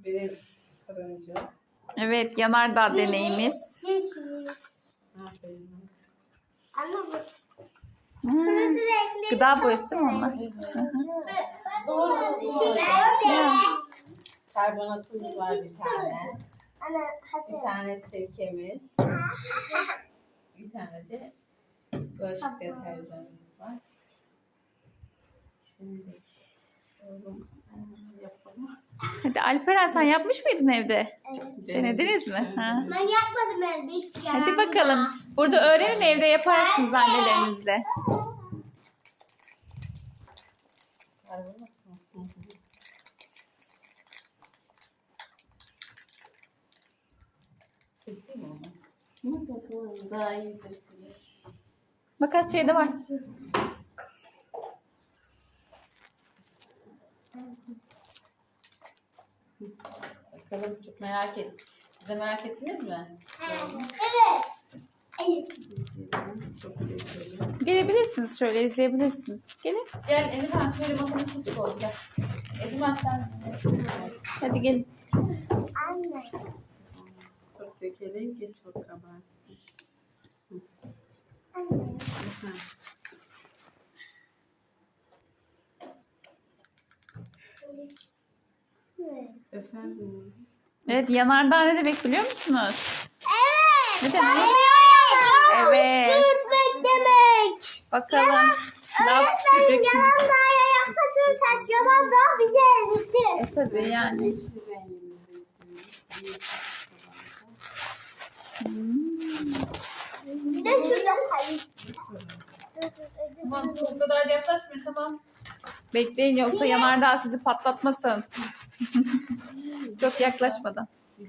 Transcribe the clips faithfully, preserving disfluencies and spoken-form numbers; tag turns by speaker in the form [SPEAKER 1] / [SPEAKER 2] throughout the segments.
[SPEAKER 1] Biri turuncu.
[SPEAKER 2] Evet, yanardağ deneyimiz.
[SPEAKER 3] Yeşil.
[SPEAKER 1] Aferin.
[SPEAKER 3] Anne bu.
[SPEAKER 2] Hmm. Gıda boyası değil mi onlar?
[SPEAKER 3] Zor bir şey.
[SPEAKER 2] Ya.
[SPEAKER 1] Karbonatımız var bir tane.
[SPEAKER 3] Anne hadi.
[SPEAKER 1] Bir tane sirkemiz. Bir tane de bulaşık deterjanımız var. Şimdi oğlum yapalım.
[SPEAKER 2] Hadi Alperen, sen yapmış mıydın evde?
[SPEAKER 3] Evet.
[SPEAKER 2] Denediniz mi? Ha.
[SPEAKER 3] Ben yapmadım evde hiç.
[SPEAKER 2] Hadi bakalım. Burada öğrenin, evde yaparsınız annelerinizle.
[SPEAKER 1] Karbonat mı? Hı hı. Keseyim mi onu? Makası daha iyi kesilir.
[SPEAKER 2] Makas şeyde var.
[SPEAKER 1] Bakalım, çok merak et. Siz de merak ettiniz mi?
[SPEAKER 3] Evet. Evet.
[SPEAKER 1] Çok teşekkür.
[SPEAKER 2] Gelebilirsiniz, şöyle izleyebilirsiniz. Gelin.
[SPEAKER 1] Gel Emirhan, şöyle masanın üstü koy. Gel. Emirhan sen.
[SPEAKER 2] Hadi gelin.
[SPEAKER 3] Anne.
[SPEAKER 1] Çok dökelim ki çok kabarsın.
[SPEAKER 3] Anne.
[SPEAKER 1] Efendim.
[SPEAKER 2] Evet, yanardağ ne demek biliyor musunuz?
[SPEAKER 3] Evet.
[SPEAKER 2] Ne demek? Evet.
[SPEAKER 3] Püskürtmek demek.
[SPEAKER 2] Bakalım. Ne
[SPEAKER 3] Öğretmen
[SPEAKER 2] yapacak şimdi?
[SPEAKER 3] yanardağ'a yaklaşırsak yanardağ bizi eritir.
[SPEAKER 2] E tabii yani.
[SPEAKER 1] Yeşil rengimizde.
[SPEAKER 3] Bir de şurada kayıp.
[SPEAKER 1] Tamam, bu kadar da yaklaşmayın, tamam.
[SPEAKER 2] Bekleyin, yoksa yanardağ sizi patlatmasın. Çok yaklaşmadan.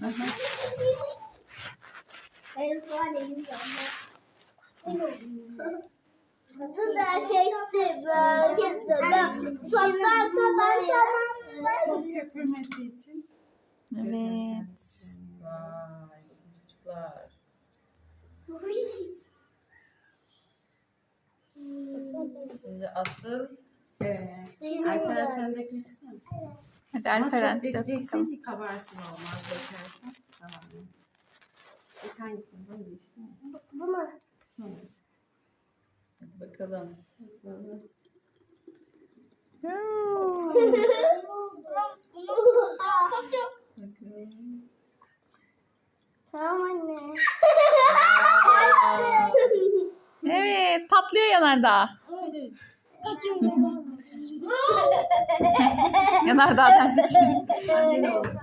[SPEAKER 3] Benim şu an elim Bu da şeydi böyle. Patlarsa ben tamam.
[SPEAKER 1] Çok köpürmesi için.
[SPEAKER 2] Evet.
[SPEAKER 1] Vay çocuklar. Şimdi asıl ee, Alperen sen de ekmek ister misin?
[SPEAKER 2] Hadi
[SPEAKER 1] Ama
[SPEAKER 2] Alperen.
[SPEAKER 1] çok
[SPEAKER 2] de
[SPEAKER 1] dökeceksin
[SPEAKER 2] bakalım.
[SPEAKER 1] ki kabarsın, olmaz dökersen. Tamam. İlk hangisini? Bu mu?
[SPEAKER 3] Bu mu?
[SPEAKER 1] Evet. Hadi bakalım. Bakalım. Bakalım.
[SPEAKER 3] Tamam anne.
[SPEAKER 2] Evet, patlıyor yanardağ. Yanardağ'dan kaçıyor.
[SPEAKER 1] Anne ne oldu?